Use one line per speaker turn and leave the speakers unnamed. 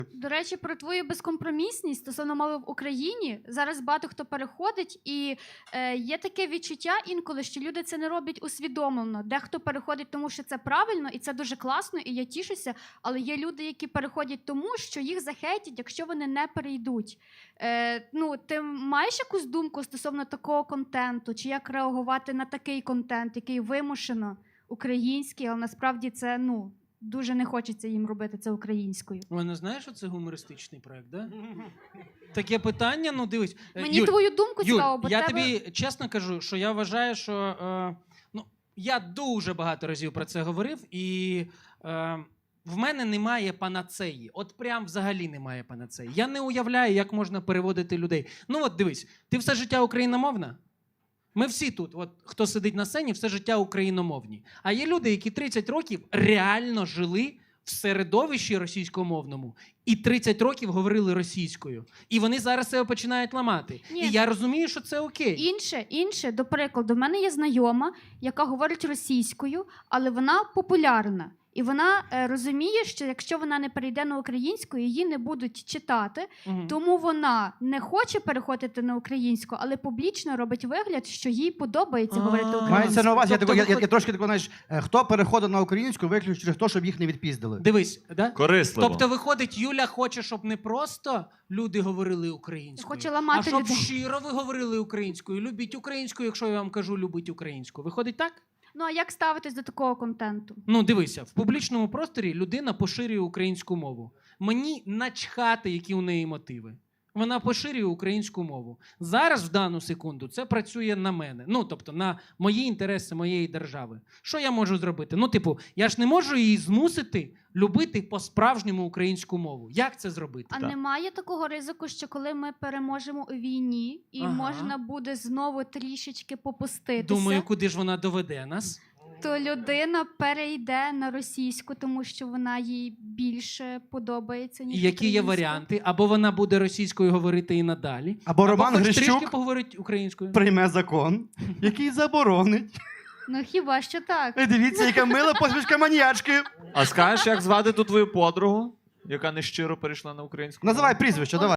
До речі, про твою безкомпромісність стосовно мови в Україні. Зараз багато хто переходить, і є таке відчуття інколи, що люди це не роблять усвідомлено. Дехто переходить тому, що це правильно, і це дуже класно, і я тішуся. Але є люди, які переходять тому, що їх захейтять, якщо вони не перейдуть. Ти маєш якусь думку стосовно такого контенту? Чи як реагувати на такий контент, який вимушено український, але насправді це, дуже не хочеться їм робити це українською.
Ой, не знаєш, що це гумористичний проект, да? Таке питання, дивись.
Мені
Юль,
твою думку цікаво, бо
я
тебе...
тобі чесно кажу, що я вважаю, що... я дуже багато разів про це говорив, і в мене немає панацеї. От прям взагалі немає панацеї. Я не уявляю, як можна переводити людей. Дивись, ти все життя україномовна? Ми всі тут, хто сидить на сцені, все життя україномовні. А є люди, які 30 років реально жили в середовищі російськомовному і 30 років говорили російською. І вони зараз себе починають ламати.
Ні.
І я розумію, що це окей.
Інше, до прикладу, в мене є знайома, яка говорить російською, але вона популярна. І вона розуміє, що якщо вона не перейде на українську, її не будуть читати, тому вона не хоче переходити на українську, але публічно робить вигляд, що їй подобається говорити українською.
Мається на увазі, я трошки такий, знаєш, хто переходить на українську, виключно через те, щоб їх не відпіздили.
Дивись, да?
Корисливо.
Тобто, виходить, Юля хоче, щоб не просто люди говорили українською,
Хоче ламати
а щоб
людей.
щиро ви говорили українською. Любіть українську, якщо я вам кажу, любіть українську. Виходить так?
А як ставитись до такого контенту?
Дивися, в публічному просторі людина поширює українську мову. Мені начхати, які у неї мотиви. Вона поширює українську мову. Зараз, в дану секунду, це працює на мене. Тобто на мої інтереси моєї держави. Що я можу зробити? Я ж не можу її змусити любити по-справжньому українську мову. Як це зробити?
А немає такого ризику, що коли ми переможемо у війні, і можна буде знову трішечки попуститися,
Думаю, куди ж вона доведе нас?
то людина перейде на російську, тому що вона їй більше подобається, ніж
І які є
українська.
варіанти? Або вона буде російською говорити і надалі,
Або Роман
хоч
Грищук
трішки поговорить українською.
прийме закон, який заборонить.
Хіба що так.
Дивіться, яка мила посмішка маніячки.
А скажеш, як звати ту твою подругу, яка нещиро перейшла на українську?
Називай прізвище, давай.